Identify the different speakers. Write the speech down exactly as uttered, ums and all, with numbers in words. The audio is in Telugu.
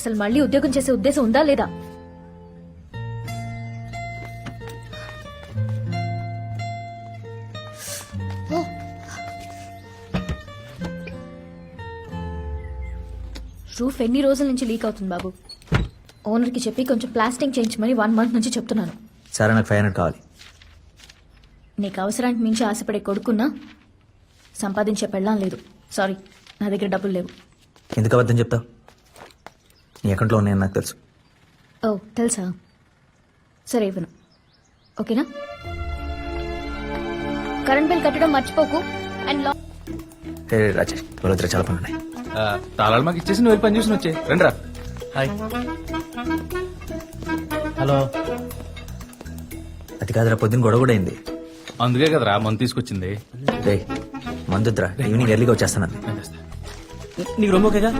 Speaker 1: అసలు మళ్ళీ ఉద్యోగం చేసే ఉద్దేశం ఉందా లేదా? రూఫ్ ఎన్ని రోజుల నుంచి లీక్ అవుతుంది బాబు. ఓనర్కి చెప్పి కొంచెం ప్లాస్టింగ్ చేయించమని వన్ మంత్ నుంచి చెప్తున్నాను.
Speaker 2: సరే, నాకు ఫైవ్ హండ్రెడ్ కావాలి.
Speaker 1: నీకు అవసరానికి మించి ఆశపడే కొడుకున్నా సంపాదించే పెళ్ళాం లేదు. సారీ, నా దగ్గర డబ్బులు లేవు.
Speaker 2: ఎందుకు అబద్ధం చెప్తావు? నీ అకౌంట్లో ఉన్నాయని నాకు తెలుసు.
Speaker 1: ఓ తెలుసా? సరే ఇవ్వను, ఓకేనా? కరెంట్ బిల్ కట్టడం మర్చిపోకు. అండ్ లా
Speaker 2: హే రాజేష్, వాళ్ళ దగ్గర చాలా పనులు ఉన్నాయి.
Speaker 3: తాళాలు మాకు ఇచ్చేసి నువ్వు పని చూసి వచ్చే రండి రా.
Speaker 2: హాయ్. హలో. అది కాదురా, పొద్దున్న గొడవ కూడా అయింది.
Speaker 3: అందుకే కదరా మందు తీసుకొచ్చింది.
Speaker 2: రే మందుద్రా, ఈవినింగ్ ఎర్లీగా వచ్చేస్తాను. నీకు రొమ్మ ఓకేగా?